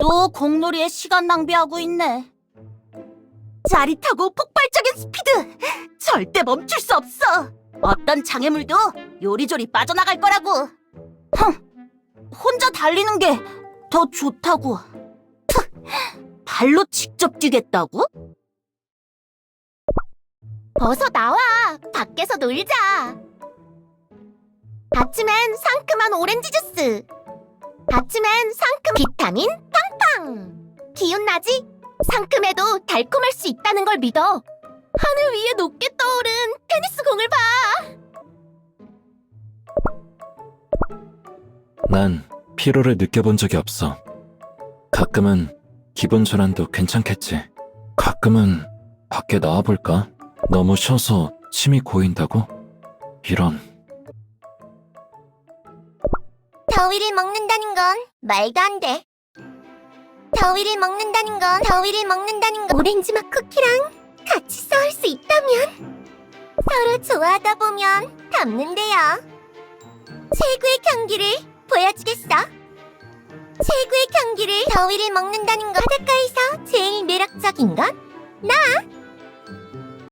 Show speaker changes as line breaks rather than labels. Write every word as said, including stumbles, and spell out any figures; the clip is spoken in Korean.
또 공놀이에 시간 낭비하고 있네. 짜릿하고 폭발적인 스피드! 절대 멈출 수 없어! 어떤 장애물도 요리조리 빠져나갈 거라고! 흥! 혼자 달리는 게 더 좋다고! 푸! 발로 직접 뛰겠다고? 어서 나와! 밖에서 놀자! 아침엔 상큼한 오렌지 주스! 아침엔 상큼 비타민 팡팡! 기운 나지? 상큼해도 달콤할 수 있다는 걸 믿어! 하늘 위에 높게 떠오른 테니스 공을 봐!
난 피로를 느껴본 적이 없어. 가끔은 기분 전환도 괜찮겠지. 가끔은 밖에 나와볼까? 너무 쉬어서 침이 고인다고? 이런.
더위를 먹는다는 건 말도 안 돼. 더위를 먹는다는 건 더위를 먹는다는 건 오렌지 맛 쿠키랑 같이 싸울 수 있다면 서로 좋아하다 보면 닮는데요. 최고의 경기를 보여주겠어. 최고의 경기를 더위를 먹는다는 건 바닷가에서 제일 매력적인 건 나!